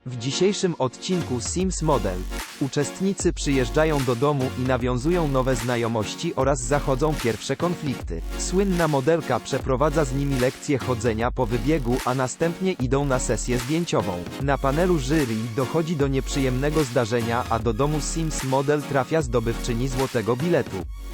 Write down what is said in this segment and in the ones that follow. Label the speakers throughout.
Speaker 1: W dzisiejszym odcinku Sims Model uczestnicy przyjeżdżają do domu i nawiązują nowe znajomości oraz zachodzą pierwsze konflikty. Słynna modelka przeprowadza z nimi lekcję chodzenia po wybiegu, a następnie idą na sesję zdjęciową. Na panelu jury dochodzi do nieprzyjemnego zdarzenia, a do domu Sims Model trafia zdobywczyni złotego biletu.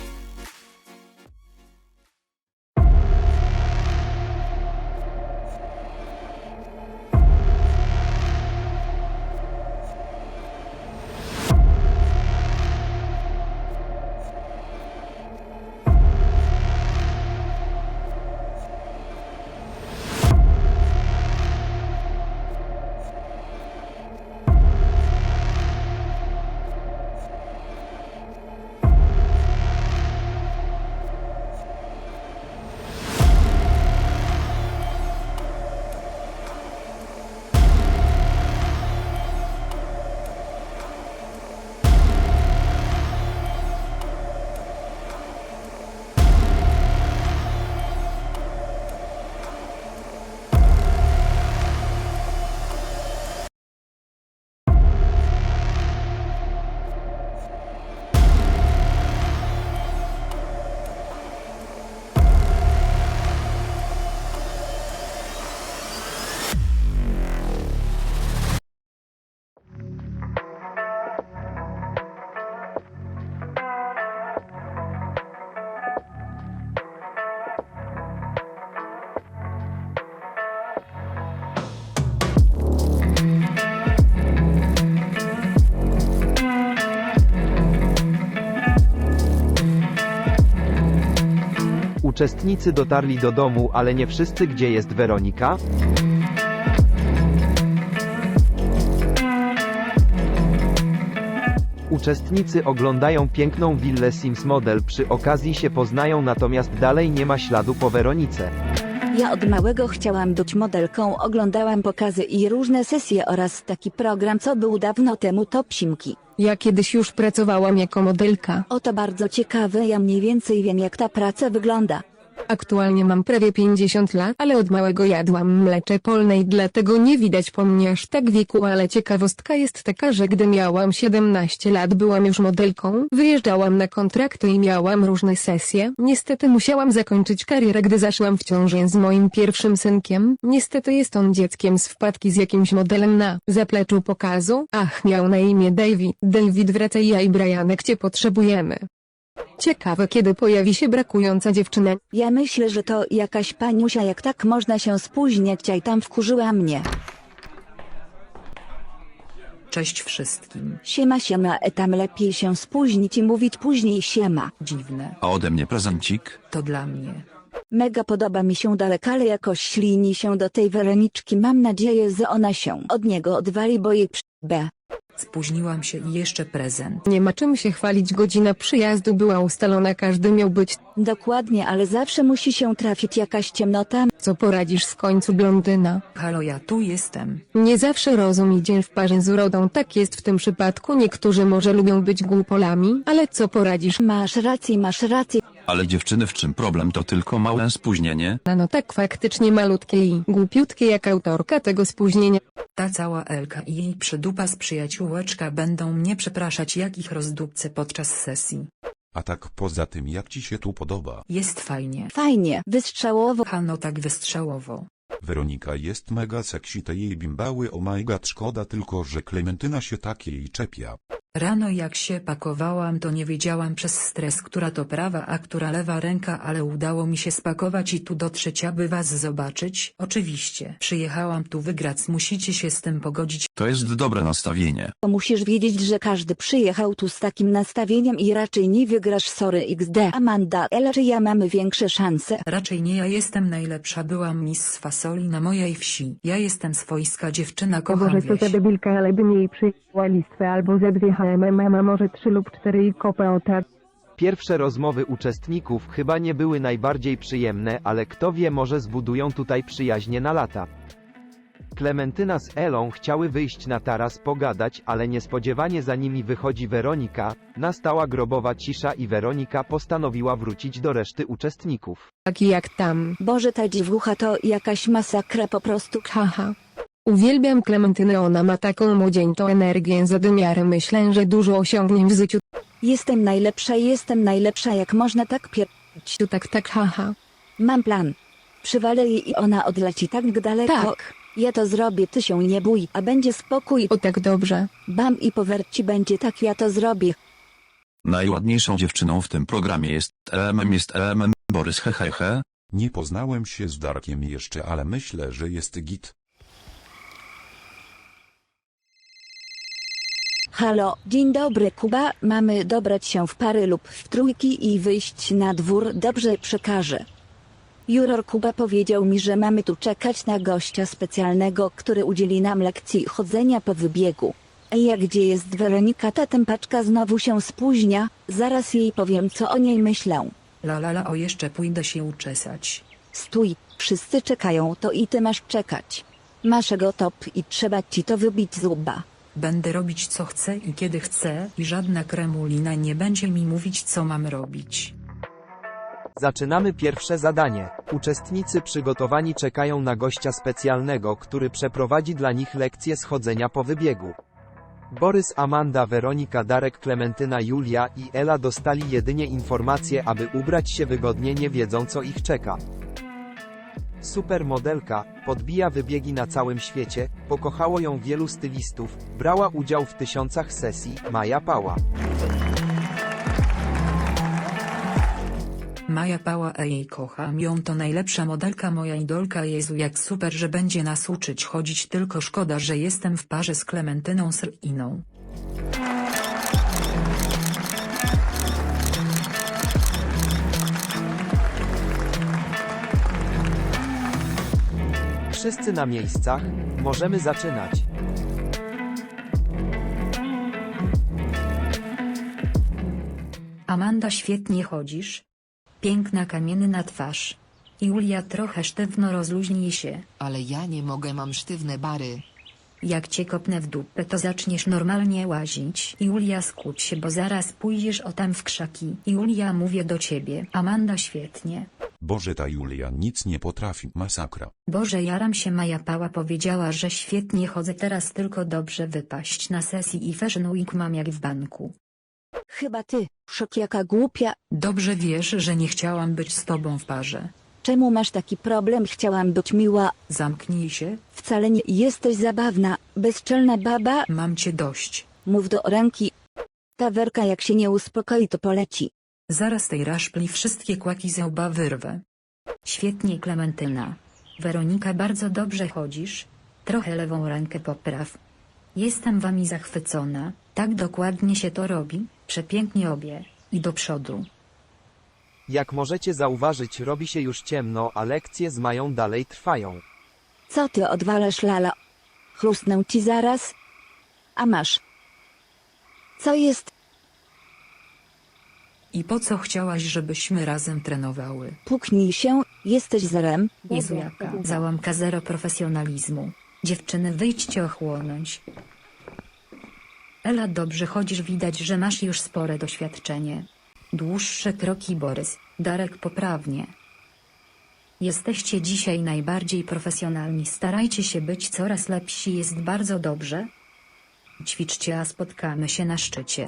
Speaker 1: Uczestnicy dotarli do domu, ale nie wszyscy. Gdzie jest Weronika? Uczestnicy oglądają piękną willę Sims Model, przy okazji się poznają, natomiast dalej nie ma śladu po Weronice.
Speaker 2: Ja od małego chciałam być modelką, oglądałam pokazy i różne sesje oraz taki program, co był dawno temu, Top Simki.
Speaker 3: Ja kiedyś już pracowałam jako modelka.
Speaker 2: Oto bardzo ciekawe, ja mniej więcej wiem, jak ta praca wygląda.
Speaker 3: Aktualnie mam prawie 50 lat, ale od małego jadłam mlecze polne i dlatego nie widać po mnie aż tak wieku, ale ciekawostka jest taka, że gdy miałam 17 lat byłam już modelką, wyjeżdżałam na kontrakty i miałam różne sesje. Niestety musiałam zakończyć karierę, gdy zaszłam w ciążę z moim pierwszym synkiem. Niestety jest on dzieckiem z wpadki z jakimś modelem na zapleczu pokazu. Ach, miał na imię David. David, wracaj, ja i Brianek cię potrzebujemy. Ciekawe, kiedy pojawi się brakująca dziewczyna.
Speaker 2: Ja myślę, że to jakaś paniusia, jak tak można się spóźniać, a i tam wkurzyła mnie.
Speaker 4: Cześć wszystkim.
Speaker 2: Siema, tam lepiej się spóźnić i mówić później siema.
Speaker 4: Dziwne.
Speaker 5: A ode mnie prezencik?
Speaker 4: To dla mnie.
Speaker 2: Mega podoba mi się Dalek, ale jakoś ślini się do tej Weroniczki, mam nadzieję, że ona się od niego odwali, bo jej b.
Speaker 4: Spóźniłam się i jeszcze prezent.
Speaker 3: Nie ma czym się chwalić, godzina przyjazdu była ustalona, każdy miał być.
Speaker 2: Dokładnie, ale zawsze musi się trafić jakaś ciemnota.
Speaker 3: Co poradzisz, w końcu blondyna.
Speaker 4: Halo, ja tu jestem.
Speaker 3: Nie zawsze rozum idzie w parze z urodą, tak jest w tym przypadku. Niektórzy może lubią być głupolami, ale co poradzisz?
Speaker 2: Masz rację, masz rację.
Speaker 5: Ale dziewczyny, w czym problem? To tylko małe spóźnienie.
Speaker 3: No tak, faktycznie malutkie i głupiutkie jak autorka tego spóźnienia.
Speaker 4: Ta cała Elka i jej przydupa z przyjaciółeczka będą mnie przepraszać, jak ich rozdupcę podczas sesji.
Speaker 6: A tak poza tym, jak ci się tu podoba?
Speaker 4: Jest fajnie.
Speaker 2: Fajnie, wystrzałowo.
Speaker 4: Hano, tak wystrzałowo.
Speaker 6: Weronika jest mega sexy, te jej bimbały, oh my god, szkoda tylko, że Klementyna się takiej czepia.
Speaker 4: Rano jak się pakowałam, to nie wiedziałam przez stres, która to prawa, a która lewa ręka, ale udało mi się spakować i tu dotrzeć, aby was zobaczyć. Oczywiście. Przyjechałam tu wygrać, musicie się z tym pogodzić.
Speaker 5: To jest dobre nastawienie.
Speaker 2: Musisz wiedzieć, że każdy przyjechał tu z takim nastawieniem i raczej nie wygrasz, sorry XD. Amanda, Ela czy ja mamy większe szanse?
Speaker 4: Raczej nie, ja jestem najlepsza, byłam miss fasoli na mojej wsi. Ja jestem swojska dziewczyna, kocham wieś.
Speaker 3: debilka, ale bym jej przyjęła listwę albo ze 2 HMM, a może 3 lub 4 i kopę o tak.
Speaker 1: Pierwsze rozmowy uczestników chyba nie były najbardziej przyjemne, ale kto wie, może zbudują tutaj przyjaźnie na lata. Klementyna z Elą chciały wyjść na taras pogadać, ale niespodziewanie za nimi wychodzi Weronika. Nastała grobowa cisza i Weronika postanowiła wrócić do reszty uczestników.
Speaker 3: Taki jak tam.
Speaker 2: Boże, ta dziewucha to jakaś masakra po prostu.
Speaker 3: Haha. Uwielbiam Klementynę, ona ma taką młodzieńczą energię, zadymiarę, myślę, że dużo osiągnie w życiu.
Speaker 2: Jestem najlepsza, jak można tak pierdzić.
Speaker 3: Tak, haha.
Speaker 2: Mam plan. Przywalę jej i ona odleci tak daleko.
Speaker 3: Tak.
Speaker 2: Ja to zrobię, ty się nie bój, a będzie spokój.
Speaker 3: O tak dobrze.
Speaker 2: Bam i powerci będzie tak, ja to zrobię.
Speaker 5: Najładniejszą dziewczyną w tym programie jest LMM Borys hehehe.
Speaker 6: Nie poznałem się z Darkiem jeszcze, ale myślę, że jest git.
Speaker 2: Halo, dzień dobry Kuba, mamy dobrać się w pary lub w trójki i wyjść na dwór, dobrze przekażę. Juror Kuba powiedział mi, że mamy tu czekać na gościa specjalnego, który udzieli nam lekcji chodzenia po wybiegu. Ej, a gdzie jest Weronika? Ta tępaczka znowu się spóźnia, zaraz jej powiem, co o niej myślę.
Speaker 4: O jeszcze pójdę się uczesać.
Speaker 2: Stój, wszyscy czekają, to i ty masz czekać. Masz go top i trzeba ci to wybić z łba.
Speaker 4: Będę robić co chcę i kiedy chcę i żadna kremulina nie będzie mi mówić co mam robić.
Speaker 1: Zaczynamy pierwsze zadanie. Uczestnicy przygotowani czekają na gościa specjalnego, który przeprowadzi dla nich lekcję schodzenia po wybiegu. Borys, Amanda, Weronika, Darek, Klementyna, Julia i Ela dostali jedynie informacje, aby ubrać się wygodnie, nie wiedzą co ich czeka. Supermodelka, podbija wybiegi na całym świecie, pokochało ją wielu stylistów, brała udział w tysiącach sesji, Maja Pała.
Speaker 4: Maja Pała, jej kocham ją, to najlepsza modelka, moja idolka, Jezu jak super, że będzie nas uczyć chodzić, tylko szkoda, że jestem w parze z Klementyną Sliną.
Speaker 1: Wszyscy na miejscach, możemy zaczynać.
Speaker 4: Amanda, świetnie chodzisz. Piękna kamienna twarz. Julia, trochę sztywno, rozluźnij się.
Speaker 7: Ale ja nie mogę, mam sztywne bary.
Speaker 4: Jak cię kopnę w dupę, to zaczniesz normalnie łazić. Julia, skuć się, bo zaraz pójdziesz o tam w krzaki. Julia, mówię do ciebie. Amanda, świetnie.
Speaker 6: Boże, ta Julia nic nie potrafi, masakra.
Speaker 4: Boże, jaram się. Maja Pała powiedziała, że świetnie chodzę, teraz tylko dobrze wypaść na sesji i Fashion Week mam jak w banku.
Speaker 2: Chyba ty, szok jaka głupia.
Speaker 4: Dobrze wiesz, że nie chciałam być z tobą w parze.
Speaker 2: Czemu masz taki problem? Chciałam być miła.
Speaker 4: Zamknij się,
Speaker 2: Wcale nie jesteś zabawna, bezczelna baba.
Speaker 4: mam cię dość.
Speaker 2: Mów do ręki. Ta Werka jak się nie uspokoi, to poleci.
Speaker 4: Zaraz tej raszpli wszystkie kłaki ze łba wyrwę. Świetnie, Klementyna. Weronika, bardzo dobrze chodzisz. Trochę lewą rękę popraw. Jestem wami zachwycona, tak dokładnie się to robi, przepięknie obie. I do przodu.
Speaker 1: Jak możecie zauważyć, robi się już ciemno, a lekcje z Mają dalej trwają.
Speaker 2: Co ty odwalasz, lala? Chrustnę ci zaraz. A masz. Co jest?
Speaker 4: I po co chciałaś, żebyśmy razem trenowały?
Speaker 2: Puknij się, jesteś zerem.
Speaker 4: Jezu, jaka załamka, zero profesjonalizmu. Dziewczyny, wyjdźcie ochłonąć. Ela, dobrze chodzisz, widać, że masz już spore doświadczenie. Dłuższe kroki, Borys. Darek, poprawnie. Jesteście dzisiaj najbardziej profesjonalni, starajcie się być coraz lepsi, jest bardzo dobrze. Ćwiczcie, a spotkamy się na szczycie.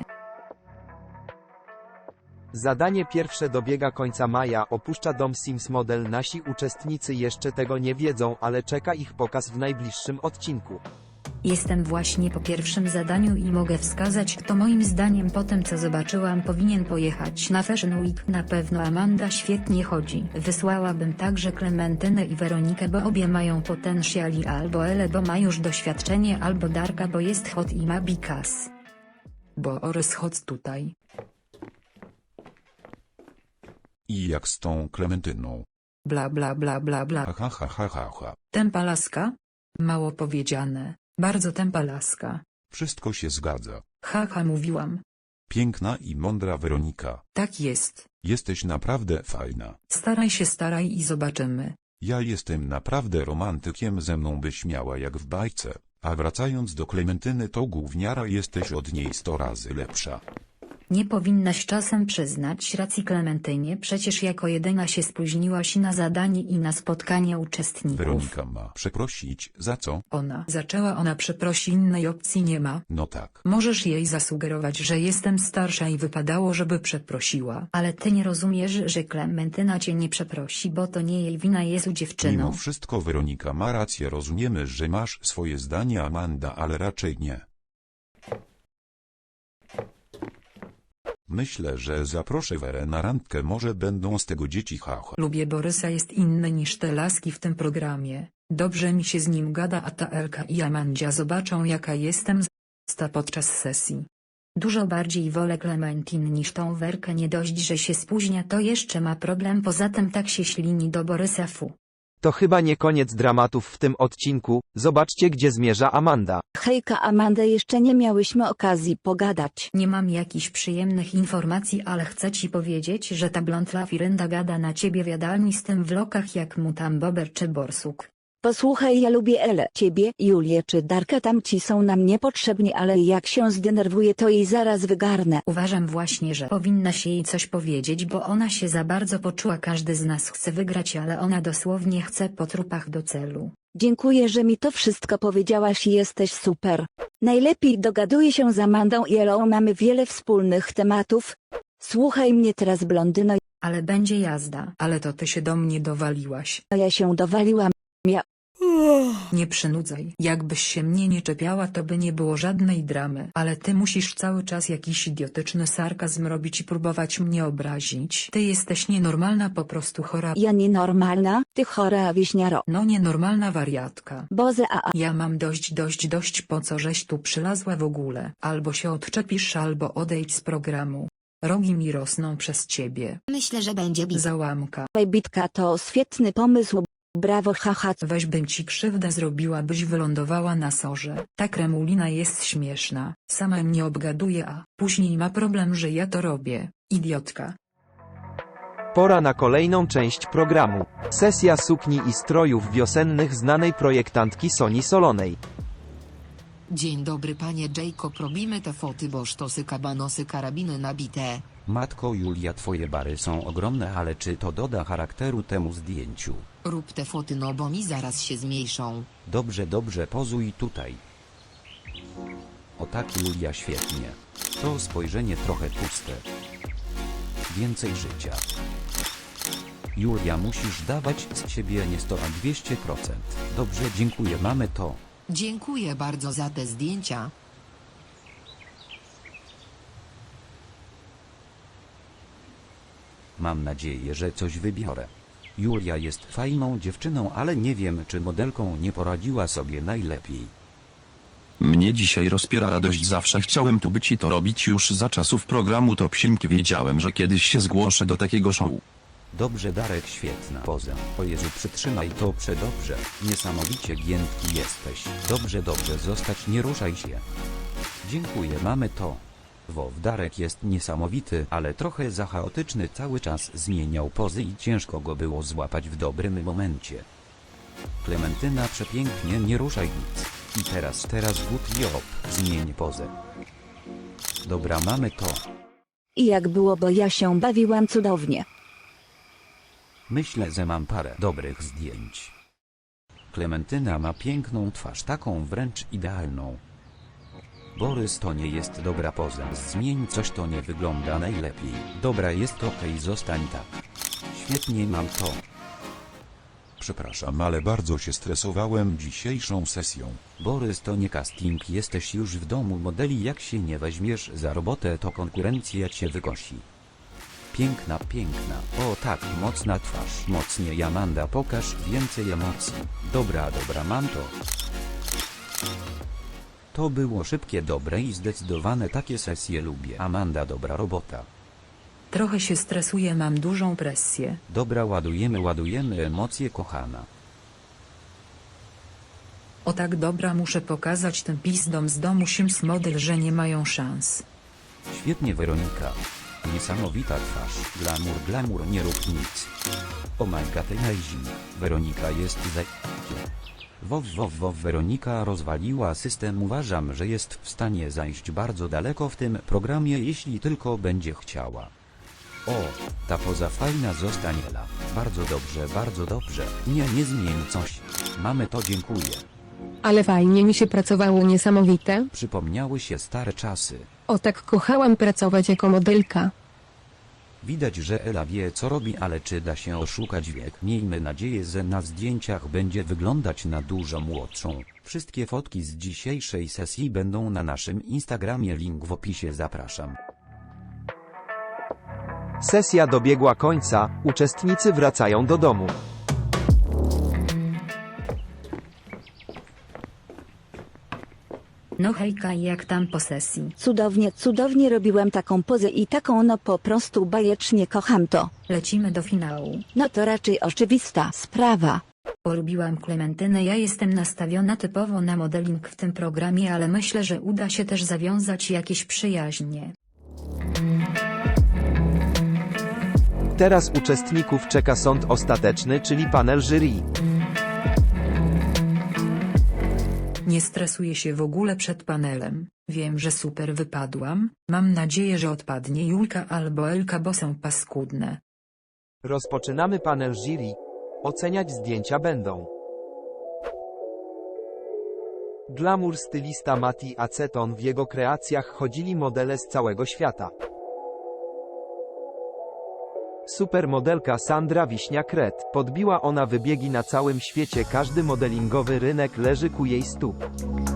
Speaker 1: Zadanie pierwsze dobiega końca. Maja opuszcza dom Sims Model. Nasi uczestnicy jeszcze tego nie wiedzą, ale czeka ich pokaz w najbliższym odcinku.
Speaker 4: Jestem właśnie po pierwszym zadaniu i mogę wskazać, kto moim zdaniem po tym co zobaczyłam powinien pojechać na Fashion Week. Na pewno Amanda świetnie chodzi. Wysłałabym także Klementynę i Weronikę, bo obie mają potencjali, albo Elę, bo ma już doświadczenie, albo Darka, bo jest hot i ma bikas. Borys, chodź tutaj.
Speaker 6: I jak z tą Klementyną?
Speaker 4: Bla bla bla bla bla.
Speaker 6: Ha ha ha ha ha.
Speaker 4: Tempa laska? Mało powiedziane. Bardzo tempa laska.
Speaker 6: Wszystko się zgadza.
Speaker 4: Haha, mówiłam.
Speaker 6: Piękna i mądra Weronika.
Speaker 4: Tak jest.
Speaker 6: Jesteś naprawdę fajna.
Speaker 4: Staraj i zobaczymy.
Speaker 6: Ja jestem naprawdę romantykiem, ze mną byś miała jak w bajce. A wracając do Klementyny, to gówniara, jesteś od niej 100 razy lepsza.
Speaker 4: Nie powinnaś czasem przyznać racji Klementynie, przecież jako jedyna się spóźniłaś na zadanie i na spotkanie uczestników.
Speaker 6: Weronika ma przeprosić, za co?
Speaker 4: Ona przeprosi, innej opcji nie ma.
Speaker 6: No tak.
Speaker 4: Możesz jej zasugerować, że jestem starsza i wypadało, żeby przeprosiła. Ale ty nie rozumiesz, że Klementyna cię nie przeprosi, bo to nie jej wina, jest
Speaker 6: Mimo
Speaker 4: dziewczyną.
Speaker 6: wszystko Weronika ma rację, rozumiemy, że masz swoje zdanie, Amanda, ale raczej nie. Myślę, że zaproszę Werę na randkę, może będą z tego dzieci, haha.
Speaker 4: Lubię Borysa, jest inny niż te laski w tym programie. Dobrze mi się z nim gada, a ta Elka i Amandzia zobaczą, jaka jestem z***sta podczas sesji. Dużo bardziej wolę Klementyn niż tą Werkę, nie dość, że się spóźnia, to jeszcze ma problem, poza tym tak się ślini do Borysa, fu.
Speaker 1: To chyba nie koniec dramatów w tym odcinku, zobaczcie gdzie zmierza Amanda.
Speaker 2: Hejka Amanda, jeszcze nie miałyśmy okazji pogadać.
Speaker 4: Nie mam jakichś przyjemnych informacji, ale chcę ci powiedzieć, że ta blondla Firenda gada na ciebie w jadalni z tym w lokach jak mu tam Bober czy Borsuk.
Speaker 2: Posłuchaj, ja lubię Elę, ciebie, Julię czy Darka, tamci są nam niepotrzebni, ale jak się zdenerwuje, to jej zaraz wygarnę.
Speaker 4: Uważam właśnie, że powinnaś jej coś powiedzieć, bo ona się za bardzo poczuła. Każdy z nas chce wygrać, ale ona dosłownie chce po trupach do celu.
Speaker 2: Dziękuję, że mi to wszystko powiedziałaś i jesteś super. Najlepiej dogaduję się z Amandą i Elą, mamy wiele wspólnych tematów. Słuchaj mnie teraz, blondyno,
Speaker 4: Ale będzie jazda. Ale to ty się do mnie dowaliłaś.
Speaker 2: ja się dowaliłam.
Speaker 4: Nie przynudzaj. Jakbyś się mnie nie czepiała, to by nie było żadnej dramy. Ale ty musisz cały czas jakiś idiotyczny sarkazm robić i próbować mnie obrazić. Ty jesteś nienormalna, po prostu chora.
Speaker 2: Ja nienormalna, ty chora wieśniaro.
Speaker 4: No nienormalna wariatka.
Speaker 2: Boże,
Speaker 4: Ja mam dość, po co żeś tu przylazła w ogóle. Albo się odczepisz, albo odejdź z programu. Rogi mi rosną przez ciebie.
Speaker 7: Myślę, że będzie bit.
Speaker 4: Załamka.
Speaker 2: bitka to świetny pomysł. Brawo, haha.
Speaker 4: Weź, bym ci krzywdę zrobiła, byś wylądowała na sorze. Ta kremulina jest śmieszna. Sama mnie obgaduje, a później ma problem, że ja to robię. Idiotka.
Speaker 1: Pora na kolejną część programu. Sesja sukni i strojów wiosennych znanej projektantki Soni Solonej.
Speaker 7: Dzień dobry panie Jacob, robimy te foty, bo sztosy, kabanosy, karabiny nabite.
Speaker 8: Matko Julia, twoje bary są ogromne, ale czy to doda charakteru temu zdjęciu?
Speaker 7: Rób te foty, no bo mi zaraz się zmniejszą.
Speaker 8: Dobrze, dobrze, pozuj tutaj. O tak, Julia, świetnie. To spojrzenie trochę puste. Więcej życia. Julia, musisz dawać z siebie nie 100, a 200%. Dobrze, dziękuję, mamy to.
Speaker 7: Dziękuję bardzo za te zdjęcia.
Speaker 8: Mam nadzieję, że coś wybiorę. Julia jest fajną dziewczyną, ale nie wiem, czy modelką nie poradziła sobie najlepiej.
Speaker 5: Mnie dzisiaj rozpiera radość, zawsze chciałem tu być i to robić już za czasów programu Top Siemki. Wiedziałem, że kiedyś się zgłoszę do takiego show.
Speaker 8: Dobrze, Darek, świetna poza. O Jezu, przytrzymaj to przedobrze. Niesamowicie giętki jesteś. Dobrze, dobrze, zostać, nie ruszaj się. Dziękuję, mamy to. Darek jest niesamowity, ale trochę za chaotyczny, cały czas zmieniał pozy i ciężko go było złapać w dobrym momencie. Klementyna, przepięknie, nie ruszaj nic. I teraz good job, zmień pozę. Dobra, mamy to.
Speaker 2: I jak było, bo ja się bawiłam cudownie.
Speaker 8: Myślę, że mam parę dobrych zdjęć. Klementyna ma piękną twarz, taką wręcz idealną. Borys, to nie jest dobra poza. Zmień coś, to nie wygląda najlepiej. Dobra, jest okej, zostań tak. Świetnie, mam to.
Speaker 6: Przepraszam, ale bardzo się stresowałem dzisiejszą sesją.
Speaker 8: Borys, to nie casting, jesteś już w domu modeli, jak się nie weźmiesz za robotę, to konkurencja cię wykosi. Piękna, piękna. O tak, mocna twarz. Mocniej, Amanda, pokaż więcej emocji. Dobra, dobra, mam to. To było szybkie, dobre i zdecydowane, takie sesje lubię. Amanda, dobra robota.
Speaker 4: Trochę się stresuję, mam dużą presję.
Speaker 8: Dobra, ładujemy emocje, kochana.
Speaker 4: O tak, dobra, muszę pokazać tym pizdom z domu Sims model, że nie mają szans.
Speaker 8: Świetnie, Weronika. Niesamowita twarz. Glamour, nie rób nic. Oh my god, amazing. Weronika jest za... Weronika rozwaliła system. Uważam, że jest w stanie zajść bardzo daleko w tym programie, jeśli tylko będzie chciała. O, ta poza fajna zostanie Ela. Bardzo dobrze, bardzo dobrze. Nie zmień coś. Mamy to, dziękuję.
Speaker 3: Ale fajnie mi się pracowało, niesamowite.
Speaker 8: Przypomniały się stare czasy.
Speaker 3: O tak kochałam pracować jako modelka.
Speaker 8: Widać, że Ela wie co robi, ale czy da się oszukać wiek? Miejmy nadzieję, że na zdjęciach będzie wyglądać na dużo młodszą. Wszystkie fotki z dzisiejszej sesji będą na naszym Instagramie, link w opisie, zapraszam.
Speaker 1: Sesja dobiegła końca, uczestnicy wracają do domu.
Speaker 9: No hejka, jak tam po sesji?
Speaker 2: Cudownie, cudownie robiłem taką pozę i taką, no po prostu bajecznie kocham to.
Speaker 9: Lecimy do finału.
Speaker 2: No to raczej oczywista sprawa.
Speaker 9: Polubiłam Klementynę, ja jestem nastawiona typowo na modeling w tym programie, ale myślę, że uda się też zawiązać jakieś przyjaźnie.
Speaker 1: Teraz uczestników czeka sąd ostateczny, czyli panel jury.
Speaker 4: Nie stresuję się w ogóle przed panelem. Wiem, że super wypadłam. Mam nadzieję, że odpadnie Julka albo Elka, bo są paskudne.
Speaker 1: Rozpoczynamy panel jury. Oceniać zdjęcia będą glamour stylista Mati Aceton. W jego kreacjach chodzili modele z całego świata. Supermodelka Sandra Wiśnia-Kret. Podbiła ona wybiegi na całym świecie, każdy modelingowy rynek leży ku jej stóp.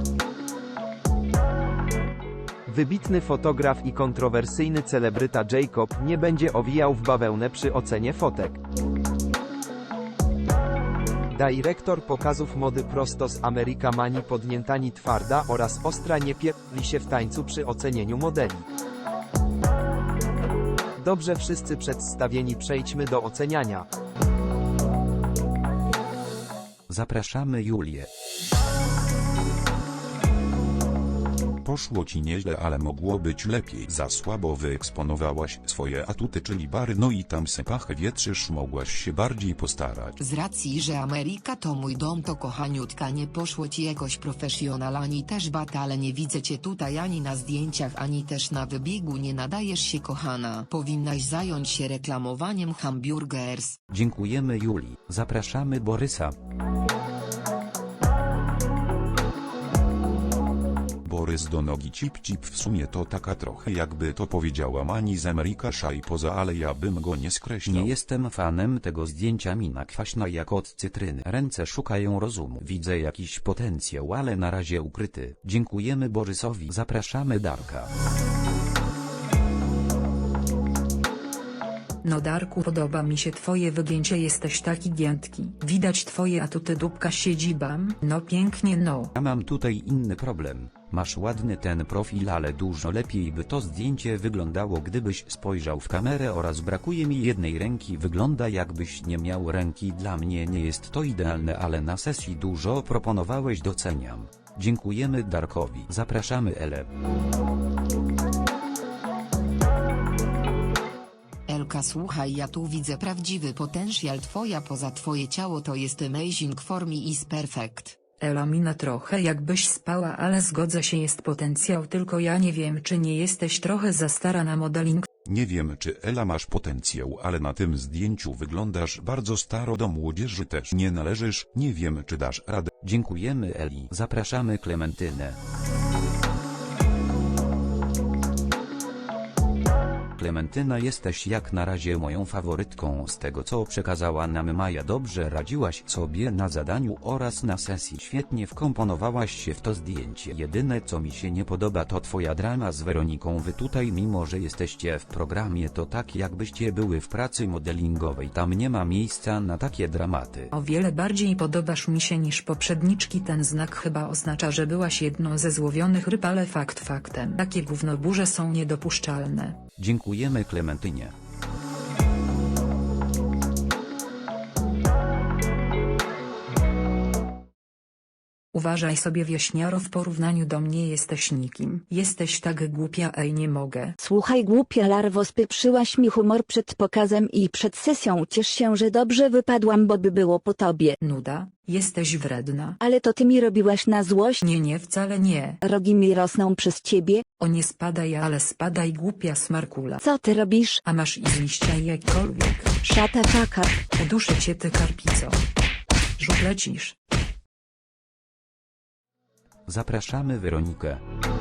Speaker 1: Wybitny fotograf i kontrowersyjny celebryta Jacob nie będzie owijał w bawełnę przy ocenie fotek. Dyrektor pokazów mody prosto z Ameryka Mani Podniętani Twarda oraz Ostra nie pierdli się w tańcu przy ocenieniu modeli. Dobrze, wszyscy przedstawieni, przejdźmy do oceniania.
Speaker 8: Zapraszamy Julię.
Speaker 6: Poszło ci nieźle, ale mogło być lepiej. Za słabo wyeksponowałaś swoje atuty, czyli bary, no i tam se pachę wietrzysz, mogłaś się bardziej postarać.
Speaker 7: Z racji, że Ameryka to mój dom, to kochaniutka, nie poszło ci jakoś profesjonal, ani też bata, ale nie widzę cię tutaj ani na zdjęciach, ani też na wybiegu, nie nadajesz się, kochana. Powinnaś zająć się reklamowaniem hamburgers.
Speaker 8: Dziękujemy Julii. Zapraszamy Borysa.
Speaker 6: Borys do nogi cip, w sumie to taka trochę, jakby to powiedziała Mani z Ameryka Szaj poza, ale ja bym go nie skreślał.
Speaker 8: Nie jestem fanem tego zdjęcia, mina kwaśna jak od cytryny. Ręce szukają rozumu. Widzę jakiś potencjał, ale na razie ukryty. Dziękujemy Borysowi. Zapraszamy Darka.
Speaker 4: No Darku, podoba mi się twoje wygięcie, jesteś taki giętki. Widać twoje atuty, dupka siedzibam. No pięknie, no.
Speaker 8: Ja mam tutaj inny problem. Masz ładny ten profil, ale dużo lepiej by to zdjęcie wyglądało, gdybyś spojrzał w kamerę, oraz brakuje mi jednej ręki, wygląda jakbyś nie miał ręki. Dla mnie nie jest to idealne, ale na sesji dużo proponowałeś, doceniam. Dziękujemy Darkowi. Zapraszamy Elę.
Speaker 7: Elka, słuchaj, ja tu widzę prawdziwy potencjał, twoja poza, twoje ciało to jest amazing, for me is perfect.
Speaker 4: Ela, mina trochę jakbyś spała, ale zgodzę się, jest potencjał, tylko ja nie wiem, czy nie jesteś trochę za stara na modeling.
Speaker 6: Nie wiem, czy Ela masz potencjał, ale na tym zdjęciu wyglądasz bardzo staro, do młodzieży też nie należysz, nie wiem, czy dasz radę.
Speaker 8: Dziękujemy Eli. Zapraszamy Klementynę. Klementyna, jesteś jak na razie moją faworytką. Z tego co przekazała nam Maja, dobrze radziłaś sobie na zadaniu oraz na sesji. Świetnie wkomponowałaś się w to zdjęcie. Jedyne co mi się nie podoba to twoja drama z Weroniką. Wy tutaj, mimo że jesteście w programie, to tak jakbyście były w pracy modelingowej. Tam nie ma miejsca na takie dramaty.
Speaker 4: O wiele bardziej podobasz mi się niż poprzedniczki. Ten znak chyba oznacza, że byłaś jedną ze złowionych ryb, ale fakt faktem. Takie gównoburze są niedopuszczalne.
Speaker 8: Dziękujemy Klementynie.
Speaker 4: Uważaj sobie, wieśniaro, w porównaniu do mnie jesteś nikim. Jesteś tak głupia, ej, nie mogę.
Speaker 2: Słuchaj, głupia larwo, spieprzyłaś mi humor przed pokazem i przed sesją. Ciesz się, że dobrze wypadłam, bo by było po tobie.
Speaker 4: Nuda, jesteś wredna.
Speaker 2: Ale to ty mi robiłaś na złość?
Speaker 4: Nie, wcale nie.
Speaker 2: Rogi mi rosną przez ciebie?
Speaker 4: O, nie spadaj, ale spadaj, głupia smarkula.
Speaker 2: Co ty robisz?
Speaker 4: A masz i liścia jakkolwiek.
Speaker 2: Szata taka.
Speaker 4: Uduszę cię, ty karpico. Żuk, lecisz.
Speaker 8: Zapraszamy Weronikę.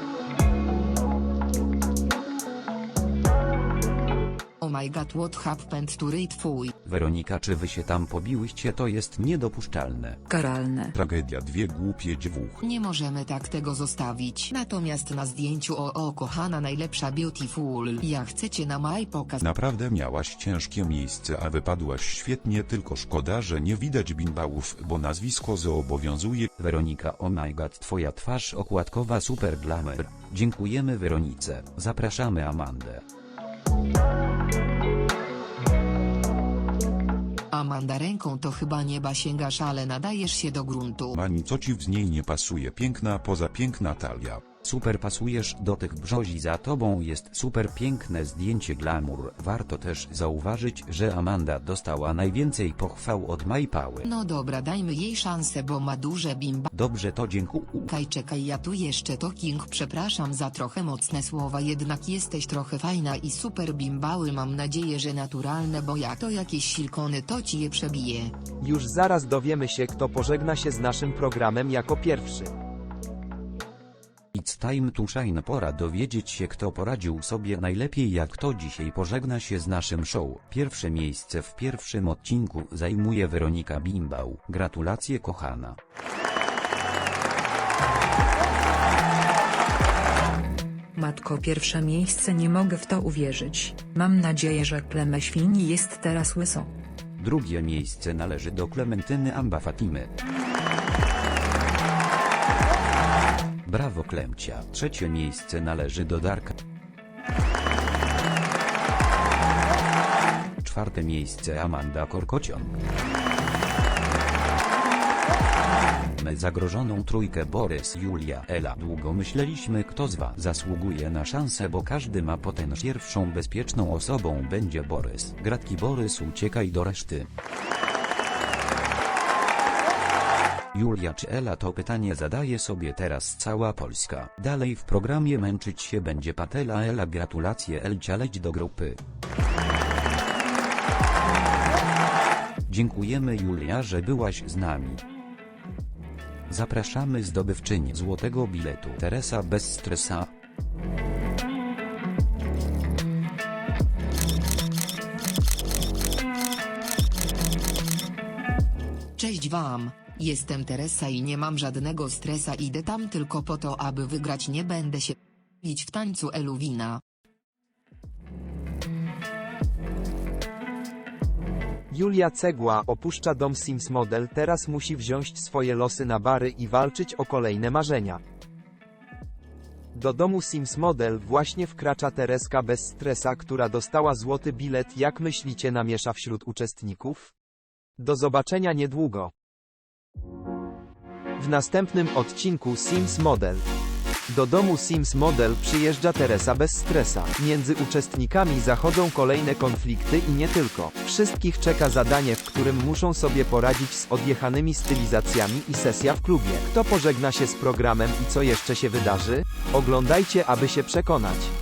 Speaker 7: Oh my god, what happened to Ray twój?
Speaker 8: Weronika, czy wy się tam pobiłyście? To jest niedopuszczalne.
Speaker 4: Karalne.
Speaker 6: Tragedia, dwie głupie dwóch.
Speaker 7: Nie możemy tak tego zostawić. Natomiast na zdjęciu kochana najlepsza beautiful. Ja chcę cię na maj pokaz.
Speaker 6: Naprawdę miałaś ciężkie miejsce, a wypadłaś świetnie, tylko szkoda, że nie widać bimbałów, bo nazwisko zobowiązuje.
Speaker 8: Weronika, oh my god, twoja twarz okładkowa super glamour. Dziękujemy Weronice. Zapraszamy Amandę.
Speaker 7: Amanda, ręką to chyba nieba sięgasz, ale nadajesz się do gruntu.
Speaker 6: Mani, co ci z niej nie pasuje? Piękna poza, piękna talia.
Speaker 8: Super pasujesz do tych brzozi, za tobą jest super piękne zdjęcie glamour. Warto też zauważyć, że Amanda dostała najwięcej pochwał od Majpały.
Speaker 7: No dobra, dajmy jej szansę, bo ma duże bimba.
Speaker 8: Dobrze, to dziękuję.
Speaker 7: Czekaj, ja tu jeszcze talking, przepraszam za trochę mocne słowa, jednak jesteś trochę fajna i super bimbały, mam nadzieję, że naturalne, bo jak to jakieś silikony, to ci je przebije.
Speaker 1: Już zaraz dowiemy się, kto pożegna się z naszym programem jako pierwszy.
Speaker 8: It's time to shine, pora dowiedzieć się, kto poradził sobie najlepiej, jak kto dzisiaj pożegna się z naszym show. Pierwsze miejsce w pierwszym odcinku zajmuje Weronika Bimbał. Gratulacje, kochana.
Speaker 4: Matko, pierwsze miejsce, nie mogę w to uwierzyć. Mam nadzieję, że Klemę Świni jest teraz łyso.
Speaker 8: Drugie miejsce należy do Klementyny Amba Fatimy. Brawo, Klemcia. Trzecie miejsce należy do Darka. Czwarte miejsce Amanda Korkocion. Zagrożoną trójkę Borys, Julia, Ela. Długo myśleliśmy, kto z was zasługuje na szansę, bo każdy ma potencjał. Pierwszą bezpieczną osobą będzie Borys. Gratki, Borys, uciekaj do reszty. Julia czy Ela, to pytanie zadaje sobie teraz cała Polska. Dalej w programie męczyć się będzie Patela. Ela, gratulacje, Elcia, leć do grupy. Dziękujemy, Julia, że byłaś z nami. Zapraszamy zdobywczynię złotego biletu, Teresa bez stresa.
Speaker 7: Cześć wam, jestem Teresa i nie mam żadnego stresa, idę tam tylko po to, aby wygrać, nie będę się bić w tańcu Eluwina.
Speaker 1: Julia Cegła opuszcza dom Sims Model, teraz musi wziąć swoje losy na bary i walczyć o kolejne marzenia. Do domu Sims Model właśnie wkracza Tereska bez stresa, która dostała złoty bilet. Jak myślicie, namiesza wśród uczestników? Do zobaczenia niedługo. W następnym odcinku Sims Model. Do domu Sims Model przyjeżdża Teresa bez stresa. Między uczestnikami zachodzą kolejne konflikty i nie tylko. Wszystkich czeka zadanie, w którym muszą sobie poradzić z odjechanymi stylizacjami i sesja w klubie. Kto pożegna się z programem i co jeszcze się wydarzy? Oglądajcie, aby się przekonać.